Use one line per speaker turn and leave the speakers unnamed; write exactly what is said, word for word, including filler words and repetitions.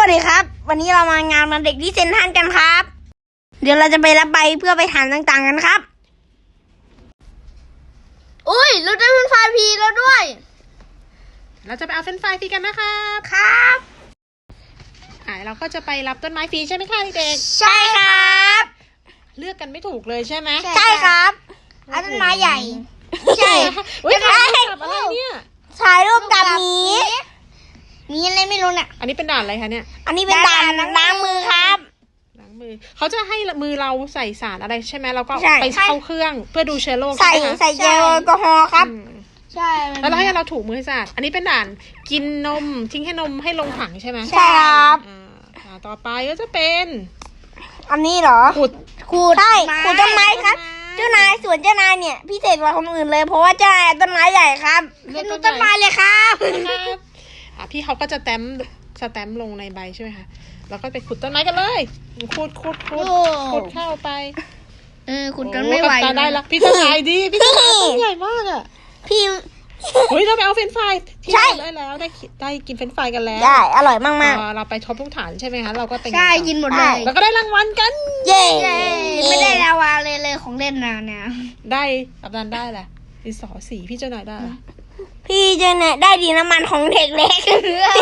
วัสดีครับวันนี้เรามางานวันเด็กที่เซ็นทรัลกันครับเดี๋ยวเราจะไปรับใบเพื่อไปถามต่างๆกันครับอุ้ยเราได้เป็นไฟล์พีแล้วด้วย
เราจะไปเอาเฟรนช์ฟรายฟรีกันนะครับ
ครับ
อ่าเราก็จะไปรับต้นไม้ฟรีใช่ไหมคะเด็ก
ใช่ครับ
ๆเลือกกันไม่ถูกเลยใช่ไหม
ใช่ครับเอาต้นไม้ใหญ่ใช่
เฮ้ย
จะ
ถ่าย
ได้
รูปกับอะไรเนี่ย
ถ่ายรูปกับหมีมีอะไรไม่รู้เนี่ย
อันนี้เป็นด่านอะไรคะเนี่ย
อันนี้เป็นด่านล้างมือครับ
ล้างมือเขาจะให้มือเราใส่สารอะไรใช่ไหมแล้วก็
ใช่
ไปเข้าเครื่องเพื่อดูเชื้อโรค
ใส่
ใช่ไหมคะ
ใส่เจลแอลกอฮอล์ครับ
อืม
ใช่
แล้วเราให้เราถูกมือให้สะอาดอันนี้เป็นด่านกินนมทิ้งให้นมให้ลงถังใช่ไหม
ใช่ครับ
อ่าอ่าต่อไปก็จะเป็น
อันนี้เหรอ
ขุด
ขูดใช่ขูดต้นไม้ครับ เจ้านายสวนเจ้านายเนี่ยพิเศษกว่าคนอื่นเลยเพราะว่าเจ้านายต้นไม้ใหญ่ครับเป็นต้นไม้เลยครับ
นะครับอ่ะพี่เขาก็จะแต้มสแตมป์ลงในใบใช่ไหมคะแล้วก็ไปขุดต้นไม้กันเลยขุดขุดขุดขุดเข้าไป
เออขุดจนไม่ไหว
โอ้กัปตันได้ละพี่ทนายดีพี่ทนายต้นใหญ่มากอ่ะ
พี่
เฮ้ยเราไปเอาเฟรนช์ฟรายที่
ใช่
เราได้แล้วได้กินได้กินเฟรนช์ฟรายกันแล้ว
ได้อร่อยมาก
พอเราไปท็อปทุกฐานใช่ไหมคะเราก็เป็น
ใช่กินหมดเลย
แล้วก็ได้รางวัลกัน
ๆเย้ไม่ได้ลาวาเลยเลยของเล่นนะเนี่ย
ได้กัปตันได้แหละดินสอสีพี่เจ้านายได้ละ
พี่เจ้านายได้ดีน้ำมันของเด็กเล็ก